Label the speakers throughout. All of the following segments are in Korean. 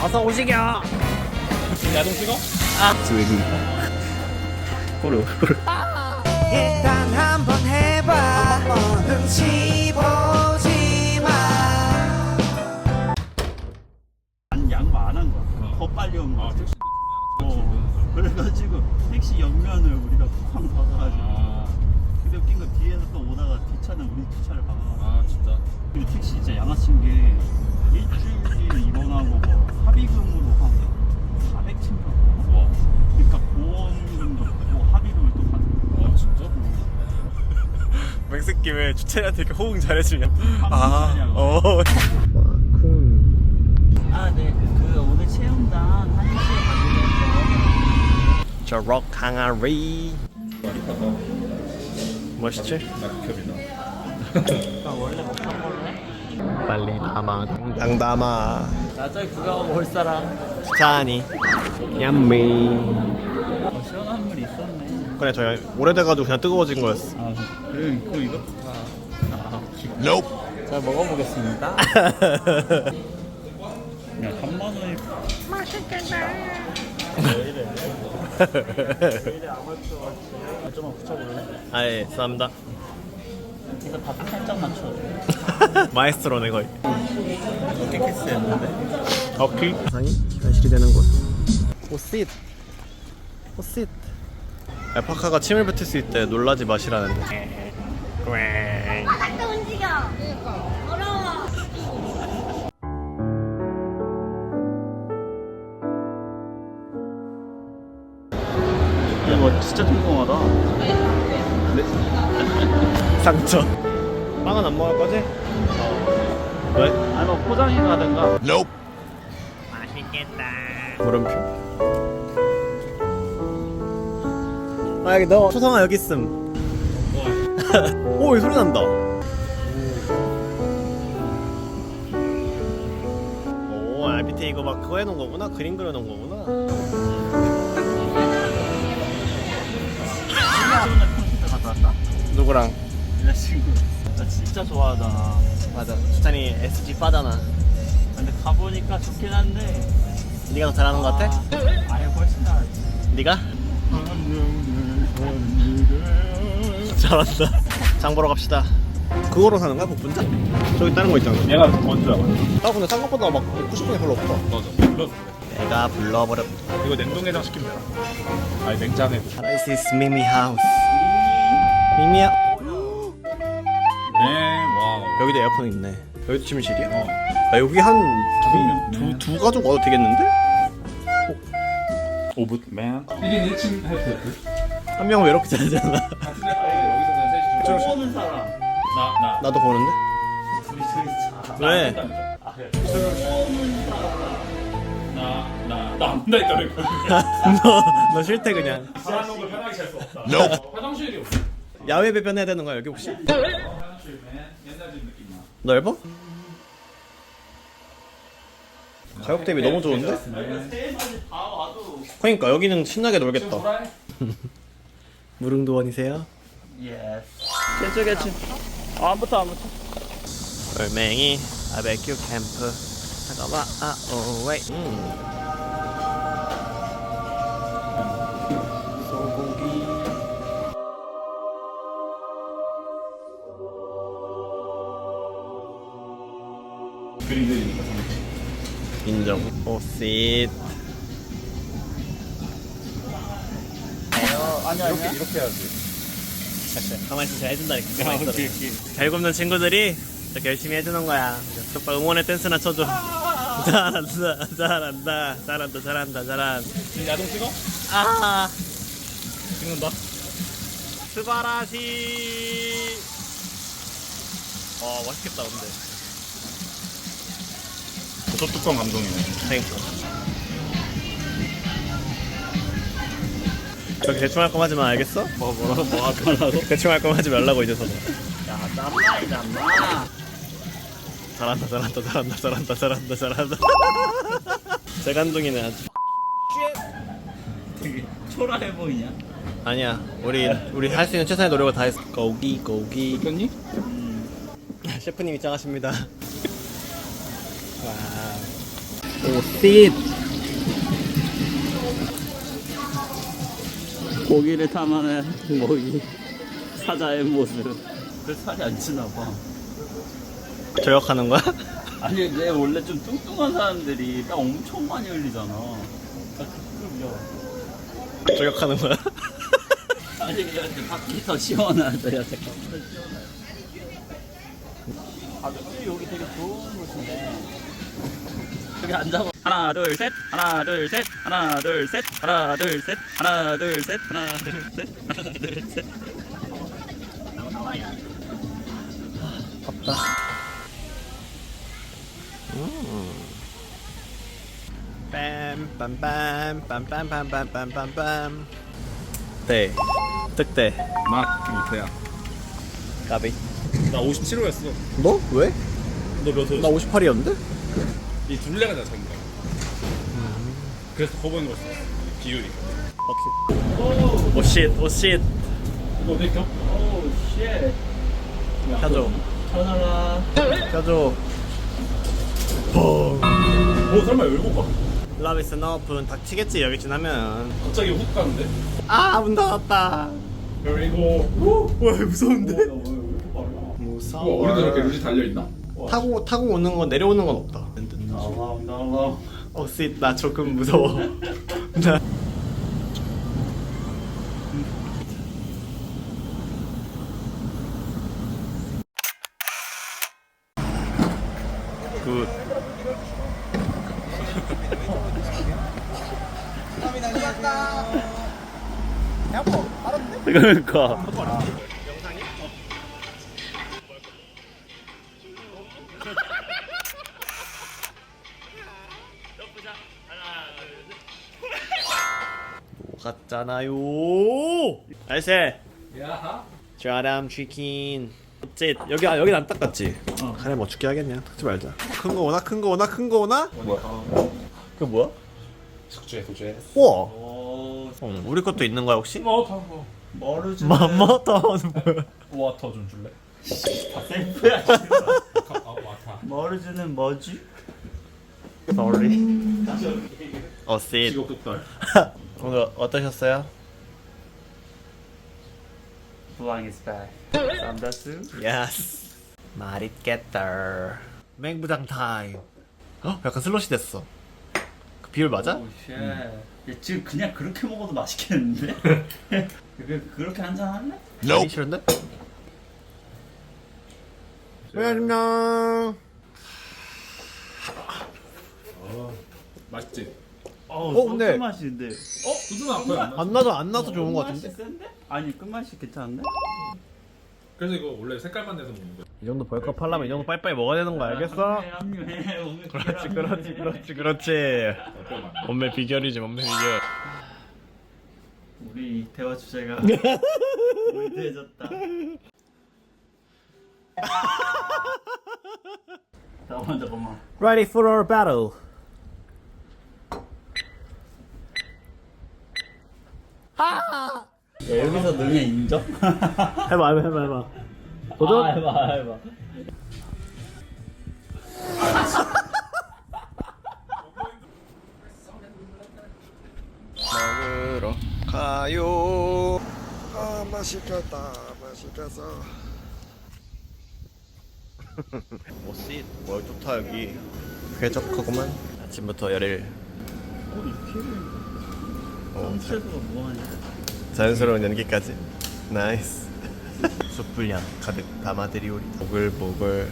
Speaker 1: 어서 오시겨.
Speaker 2: 야동 찍어?
Speaker 1: 스웨기. 호루.
Speaker 3: 일단 한번 해봐 눈치 보지 마.
Speaker 4: 양 많은 거야. 더 빨리 온 거야. 그래가지고 택시 옆면을 우리가 팡 박아가지고. 근데 웃긴 거 뒤에서 또 오다가 뒷차는 우리 뒷차를 박아가지고.
Speaker 2: 진짜?
Speaker 4: 그리고 택시 진짜 양아친 게 일주일 입원하고 뭐 합의금으로 한 400층인가?
Speaker 2: 와.
Speaker 4: 그러니까 보험금도 뭐 합의금을 또 받는
Speaker 2: 진짜?
Speaker 1: 맹스키 왜 주차리한테 이렇게 호응 잘해주냐?
Speaker 4: 아, 네. 그 오늘 체험단 1시에 가기로
Speaker 1: 저럭 항아리.
Speaker 2: 맛있다.
Speaker 1: 멋있지?
Speaker 2: 낙엽이다.
Speaker 4: 했어. 원래 못한 걸로 해?
Speaker 1: 빨리 담아. 당당 담아.
Speaker 4: 나 저기 구경 올 사람.
Speaker 1: 자니. 얌미.
Speaker 4: 시원한 물 있었네.
Speaker 1: 그래 저희 오래돼가지고 그냥 뜨거워진 거였어.
Speaker 4: 아, 그리고 이거 잘 먹어보겠습니다. 야, 3만 원이 좀만 붙여볼래?
Speaker 1: 아예 감사합니다.
Speaker 4: 이거 밥 살짝 맞춰줘.
Speaker 1: 마에스트로네 거의.
Speaker 4: 어깨 키스했는데.
Speaker 1: 오케이. 상이 현실이 되는 곳. 오싯. 오싯. 알파카가 침을 뱉을 수 있대. 놀라지 마시라는데.
Speaker 5: 자꾸 움직여. 어려워.
Speaker 4: 이거 진짜 궁금하다.
Speaker 1: 상처. 빵은 안 먹을 거지? 왜?
Speaker 4: 아니 뭐 포장해 가든가.
Speaker 1: 맛있겠다. 물음표. 아 여기 너 초성아 여기 있음. 오, 이 소리 난다. 오, 밑에 이거 막 그거 해놓은 거구나. 그림 그려놓은 거구나.
Speaker 4: 컴퓨터 갔다 왔다.
Speaker 1: 누구랑?
Speaker 4: 여자친구. 나 진짜 좋아하잖아.
Speaker 1: 맞아. 수찬이 SG 빠잖아.
Speaker 4: 근데 가보니까 좋긴 한데.
Speaker 1: 네가 더 잘하는 거 같아?
Speaker 4: 아예 훨씬 나았지.
Speaker 1: 네가? 잘한다. 장 보러 갑시다. 그거로 사는 거야? 복분자? 저기 다른 거 있잖아.
Speaker 2: 얘가 먼저야.
Speaker 1: 아 근데 생각보다 막 먹고 싶은 게 별로 없어.
Speaker 2: 맞아. 불렀어.
Speaker 1: 내가 불러버렸.
Speaker 2: 이거 냉동해장 시키면 되나? 아니 냉장해.
Speaker 1: This is Mimi house. 미미야.
Speaker 2: 네. 와.
Speaker 1: 여기도 에어컨 있네. 여기도 침실이야?
Speaker 2: 어.
Speaker 1: 아, 여기 한
Speaker 2: 명.
Speaker 1: 두 가족 와도 되겠는데?
Speaker 2: 오붓맨. 이게 1층 헬프.
Speaker 1: 한 명은 왜 이렇게 잘하잖아.
Speaker 2: 같은 데가 여기서 셋이
Speaker 4: 보는 사람.
Speaker 2: 나.
Speaker 1: 나도 보는데?
Speaker 4: 둘이 자.
Speaker 1: 왜?
Speaker 4: 아, 그래.
Speaker 2: 나안 한다 했다는 거.
Speaker 1: 너 싫대 그냥.
Speaker 2: 사는 걸 편하게 잘 수 없다. 화장실이 없어.
Speaker 1: 야외 배변해야 되는 거야 여기 혹시?
Speaker 2: 화장실맨 옛날 집 느낌 나.
Speaker 1: 넓어? 가격 대비 너무 좋은데?
Speaker 4: 세마지 다 와도.
Speaker 1: 그러니까 여기는 신나게 놀겠다.
Speaker 2: 뭐라 해?
Speaker 1: 무릉도원이세요?
Speaker 4: 예스. 개쭈. 안부터.
Speaker 1: 얼맹이 바베큐 캠프. 잠깐만. 오웨이. 소고기.
Speaker 2: 그림 그리니까.
Speaker 1: 인정. 오씨.
Speaker 4: 아니야.
Speaker 2: 이렇게 해야지.
Speaker 1: 가만히 있어. 잘 해준다니까. 가만히 있어. 잘 굽는 친구들이 이렇게 열심히 해주는 거야. 오빠 응원의 댄스나 쳐줘. 잘한다.
Speaker 2: 야동 찍어?
Speaker 1: 아.
Speaker 2: 찍는다.
Speaker 1: 스바라시. 맛있겠다 근데.
Speaker 2: 저 뚜껑 감동이네.
Speaker 1: 그러니까. 저기 대충 할 거면 하지 마 알겠어?
Speaker 4: 뭐 하더라고?
Speaker 1: 대충 할 거면 하지 말라고 이제서는.
Speaker 4: 야, 짬마이잖아.
Speaker 1: 잘한다. 재간둥이네 아주.
Speaker 4: 되게 초라해 보이냐?
Speaker 1: 아니야. 우리 할 수 있는 최선의 노력을 다했어. 고기.
Speaker 2: 니
Speaker 1: 셰프님 입장하십니다. 와. 오. 오씨.
Speaker 4: 고기를 탐하는 먹이 사자의 모습. 그 살이 안 찌나 봐.
Speaker 1: 저격하는 거야?
Speaker 4: 아니 근데 원래 좀 뚱뚱한 사람들이 딱 엄청 많이 흘리잖아. 딱 급급이야.
Speaker 1: 저격하는 거야?
Speaker 4: 아니 근데 밖이 더 시원하더라. 잠깐만 더 시원해. 가족들이 여기 되게 좋은 곳인데. 여기 앉아봐. 하나 둘 셋. 하나 둘 셋. 하나 둘 셋. 하나 둘 셋. 하나 둘 셋. 하나 둘 셋. 하나 둘 셋.
Speaker 1: 덥다. 빰빰빰빰빰빰빰빰빰. 네. 득대.
Speaker 2: 나 못해야.
Speaker 1: 까비.
Speaker 2: 나 57호였어.
Speaker 1: 뭐? 왜?
Speaker 2: 너몇 호?
Speaker 1: 나 58이었는데?
Speaker 2: 이 둘레가 다 작은 거야. 그래서 커 보이는 거였어. 비율이.
Speaker 1: 오케이. 오쉿 오쉿.
Speaker 2: 이거 어디 껴?
Speaker 4: 오 쉣.
Speaker 1: 켜줘.
Speaker 4: 전화라.
Speaker 1: 켜줘.
Speaker 2: 오 설마 열고 가?
Speaker 1: 라비스 너프는 닥치겠지 여기 지나면.
Speaker 2: 갑자기 훅 가는데?
Speaker 1: 문 닫았다.
Speaker 2: 그리고
Speaker 1: 와 무서운데?
Speaker 2: 우와,
Speaker 1: 무서워.
Speaker 2: 우리도 저렇게 루지 달려 있나?
Speaker 1: 타고 오는 건 내려오는 건 없다.
Speaker 4: 나와.
Speaker 1: 오쉿 나 조금 무서워. 나 굿. 그러니까. 갔잖아요. 나이스.
Speaker 2: 야하.
Speaker 1: 좌람 치킨. 어째 여긴 안 닦았지? 그래 뭐 죽게 하겠냐. 닦지 말자. 큰 거 오나? 큰 거 오나? 큰 거 오나? 뭐야? 그 뭐야?
Speaker 2: 숙제 도제.
Speaker 1: 우와.
Speaker 4: 오.
Speaker 1: 우리 것도 있는 거야 혹시?
Speaker 2: 타고.
Speaker 4: 머르즈.
Speaker 1: 맘마타는 뭐야?
Speaker 2: 와터 좀 줄래?
Speaker 4: 다 셀프야.
Speaker 2: 와타.
Speaker 4: 머르즈는 뭐지?
Speaker 1: Sorry. 어쌔.
Speaker 2: 직업 독달.
Speaker 1: 오늘 어떠셨어요?
Speaker 4: Flying is back. 쌈다스.
Speaker 1: Yes. 맛있겠다. 맹부장 타임. 약간 슬롯이 됐어. 그 비율 맞아?
Speaker 4: 오 쉣. 야, 지금 그냥 그렇게 먹어도 맛있겠는데? 그렇게 한잔 할래?
Speaker 1: 하기 싫은데? 안녕.
Speaker 2: 맛있지?
Speaker 1: 근데-
Speaker 4: 끝맛인데.
Speaker 2: 두두는 아파요 안 나?
Speaker 1: 안 나서 좋은 거
Speaker 4: 끝맛이
Speaker 1: 같은데?
Speaker 4: 센데? 아니 끝맛이 괜찮은데?
Speaker 2: 그래서 이거 원래 색깔만 내서 먹는 거야.
Speaker 1: 이 정도 벌컥 하려면 이 정도 빨리빨리 먹어야 되는 거 알겠어?
Speaker 4: 합류해. 오늘
Speaker 1: 그렇지. 몸매 비결이지 몸매 비결.
Speaker 4: 우리 대화 주제가 올드해졌다. 잠깐만.
Speaker 1: Ready for our battle.
Speaker 4: 야, 여기서 능해 인정?
Speaker 1: 해봐. 도전.
Speaker 4: 해봐.
Speaker 1: 먹으러 가요. 맛있겠다. 오씨, 뭘 좋다 여기. 쾌적하구만. 아침부터 열일.
Speaker 4: 홈체스가 뭐하냐?
Speaker 1: 자연스러운 연기까지. 나이스. 숯불향 가득 담아드리오리. 보글보글.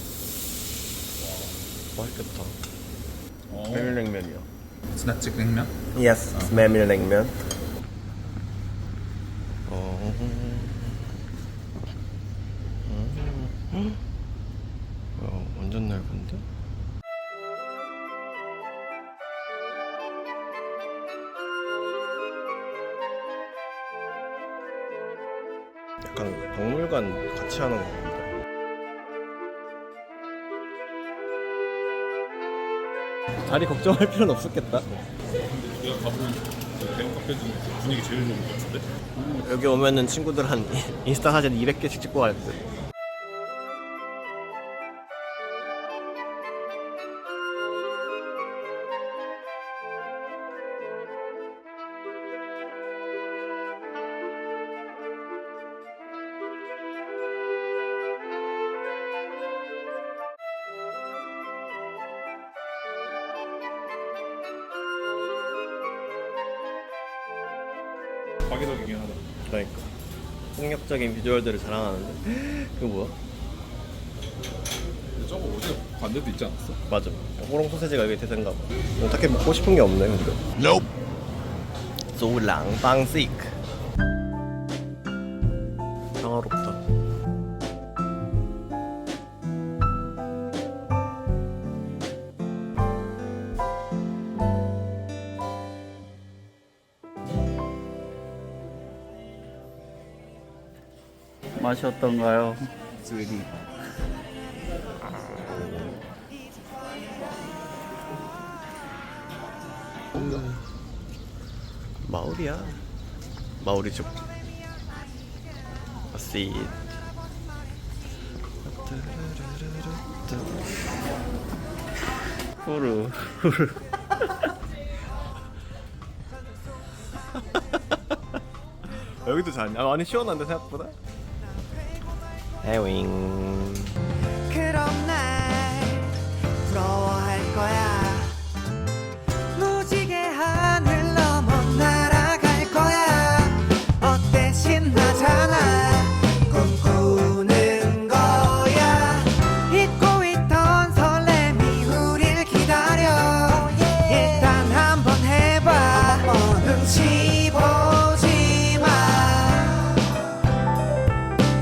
Speaker 1: 맛있겠다. 메밀냉면이요.
Speaker 2: 스나치 냉면?
Speaker 1: Yes, 메밀냉면. 완전 넓은데? 약간 박물관 같이 하는 거 같은데. 자리 걱정할 필요는 없었겠다.
Speaker 2: 우리가 가본 대형 카페 중에 분위기 제일 좋은 것 같은데?
Speaker 1: 여기 오면은 친구들 한 인스타 사진 200개씩 찍고 갈 듯.
Speaker 2: 파괴적이긴 하다.
Speaker 1: 그러니까 폭력적인 비주얼들을 자랑하는데 그거 뭐야?
Speaker 2: 근데 저거 어디 반대도 있지 않았어?
Speaker 1: 맞아. 호롱 소세지가 여기 대세인가 봐. 딱히 먹고 싶은 게 없네 근데. Nope. 조랑방식. 평화롭다.
Speaker 4: 맛이 어떤가요?
Speaker 1: 마오리야. 마오리족. 씨. 후루 후루. 여기도 잤냐? 아니 시원한데 생각보다. 에윙.